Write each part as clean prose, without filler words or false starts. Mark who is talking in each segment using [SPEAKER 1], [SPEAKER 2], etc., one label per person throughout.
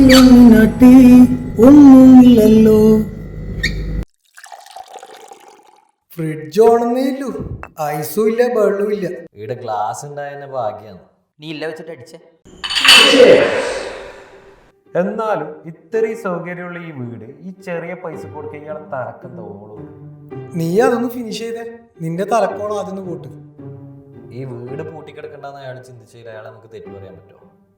[SPEAKER 1] പെണ്ണിനാട്ടി ഒന്നുമില്ലല്ലോ. ഫ്രിഡ്ജ് ഓണെന്നേ ഇല്ലു, ഐസും ഇല്ല വെള്ളവും ഇല്ല.
[SPEAKER 2] ഇവിടെ ഗ്ലാസ് ഉണ്ടായതിന്റെ ഭാഗ്യാണ്.
[SPEAKER 3] നീ ഇല്ല വെച്ചിട്ട് അടിച്ചേ.
[SPEAKER 4] എന്നാലും ഇത്രയും സൗകര്യമുള്ള ഈ വീട് ഈ ചെറിയ പൈസ കൊടുക്ക ഇയാളെ തറക്കം തോളും.
[SPEAKER 1] നീ അതൊന്ന് ഫിനിഷ് ചെയ്തേ, നിന്റെ തലക്കോളം അതൊന്ന് കൂട്ട്.
[SPEAKER 2] ഈ വീട് പൂട്ടിക്കിടക്കണ്ടെന്ന് അയാൾ ചിന്തിച്ചാൽ അയാളെ നമുക്ക് തെറ്റു പറയാൻ പറ്റുമോ?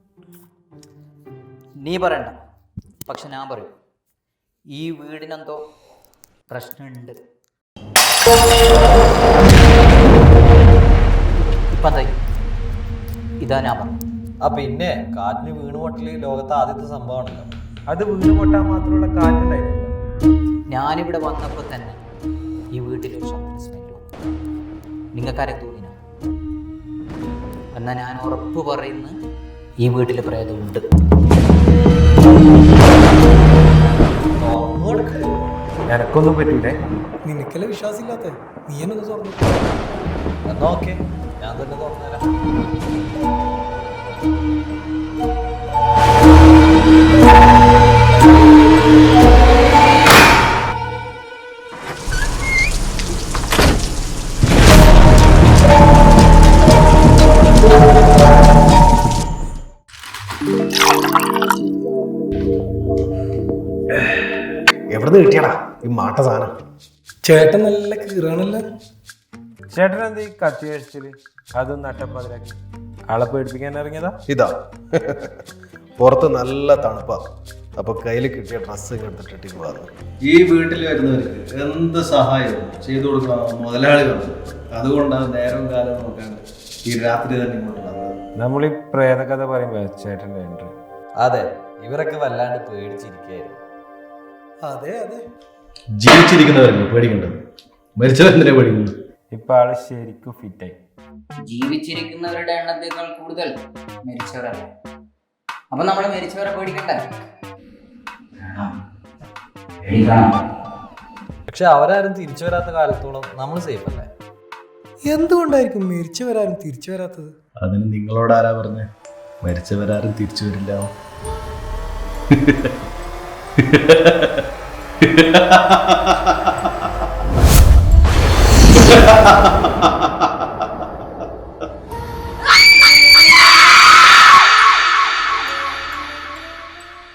[SPEAKER 3] നീ പറയണ്ട, പക്ഷെ ഞാൻ പറയും, ഈ വീടിനെന്തോ പ്രശ്നമുണ്ട്. ഇപ്പം എന്തായി? ഇതാ ഞാൻ പറഞ്ഞു.
[SPEAKER 2] ആ പിന്നെ കാറ്റിന് വീണ് പൊട്ടല് ലോകത്തെ ആദ്യത്തെ സംഭവമാണല്ലോ.
[SPEAKER 4] അത് വീട് പൊട്ടാൻ മാത്രമുള്ള കാറ്റുണ്ടായിരുന്നു.
[SPEAKER 3] ഞാനിവിടെ വന്നപ്പോൾ തന്നെ ഈ വീട്ടിലൊരു ശബ്ദ സ്മെല്ല് വന്നു. നിങ്ങൾക്കാരെ തോന്നിന? എന്നാൽ ഞാൻ ഉറപ്പ് പറയുന്നു, ഈ വീട്ടിൽ പ്രേതമുണ്ട്.
[SPEAKER 4] എനക്കൊന്നും പറ്റൂലേ.
[SPEAKER 1] നിനക്കല്ലേ വിശ്വാസമില്ലാത്ത, നീ എന്നൊന്ന് തുറന്നു.
[SPEAKER 2] എന്നാ ഓക്കെ, ഞാൻ തന്നെ തുറന്നുതരാം.
[SPEAKER 5] എവിടുന്ന് കിട്ടിയടാ ഈ മാട്ട സാധനം?
[SPEAKER 1] ചേട്ടൻ നല്ല കീറാണല്ലോ.
[SPEAKER 4] ചേട്ടൻ എന്ത് ഈ കത്തി കഴിച്ചില് അതും നട്ടപ്പതിലാക്കി ആളെ പേടിപ്പിക്കാൻ ഇറങ്ങിയതാ?
[SPEAKER 5] ഇതാ പുറത്ത് നല്ല തണുപ്പാ, അപ്പൊ കയ്യിൽ കിട്ടിയ ഡ്രസ്സ് എടുത്തിട്ട് പോകാറ്.
[SPEAKER 6] ഈ വീട്ടിൽ വരുന്നവർക്ക് എന്ത് സഹായവും ചെയ്തു കൊടുക്കാൻ മുതലാളികളുണ്ട്. അതുകൊണ്ടാണ് നേരവും കാലവും നോക്കാണ്ട് ഈ രാത്രി തന്നെ ഇങ്ങോട്ട് വന്നത്.
[SPEAKER 4] നമ്മൾ ഈ പ്രേതകഥ പറയുമ്പോ ചേട്ടൻ്റെ എൻട്രി.
[SPEAKER 2] അതെ, ഇവരൊക്കെ വല്ലാണ്ട് പേടിച്ചിരിക്കുകയായിരുന്നു.
[SPEAKER 1] അതെ അതെ,
[SPEAKER 6] ജീവിച്ചിരിക്കുന്നവരല്ലേ പേടിക്കേണ്ടത്, മരിച്ചവരെന്തിനാ പേടിക്കുന്നത്?
[SPEAKER 4] ഇപ്പൊ ആള് ശരിക്കും ഫിറ്റായി.
[SPEAKER 3] ജീവിച്ചിരിക്കുന്നവരുടെ എണ്ണത്തേക്കാൾ കൂടുതൽ മരിച്ചവരല്ലേ. അപ്പൊ നമ്മൾ മരിച്ചവരെ പേടിക്കണ്ടേ?
[SPEAKER 2] പക്ഷെ അവരാരും തിരിച്ചു വരാത്ത കാലത്തോളം നമ്മൾ സേഫ് അല്ലേ?
[SPEAKER 1] എന്തുകൊണ്ടായിരിക്കും മരിച്ചവരാരും തിരിച്ചു വരാത്തത്?
[SPEAKER 6] അതിന് നിങ്ങളോട് ആരാ പറഞ്ഞേ മരിച്ചവരാരും തിരിച്ചു വരില്ല?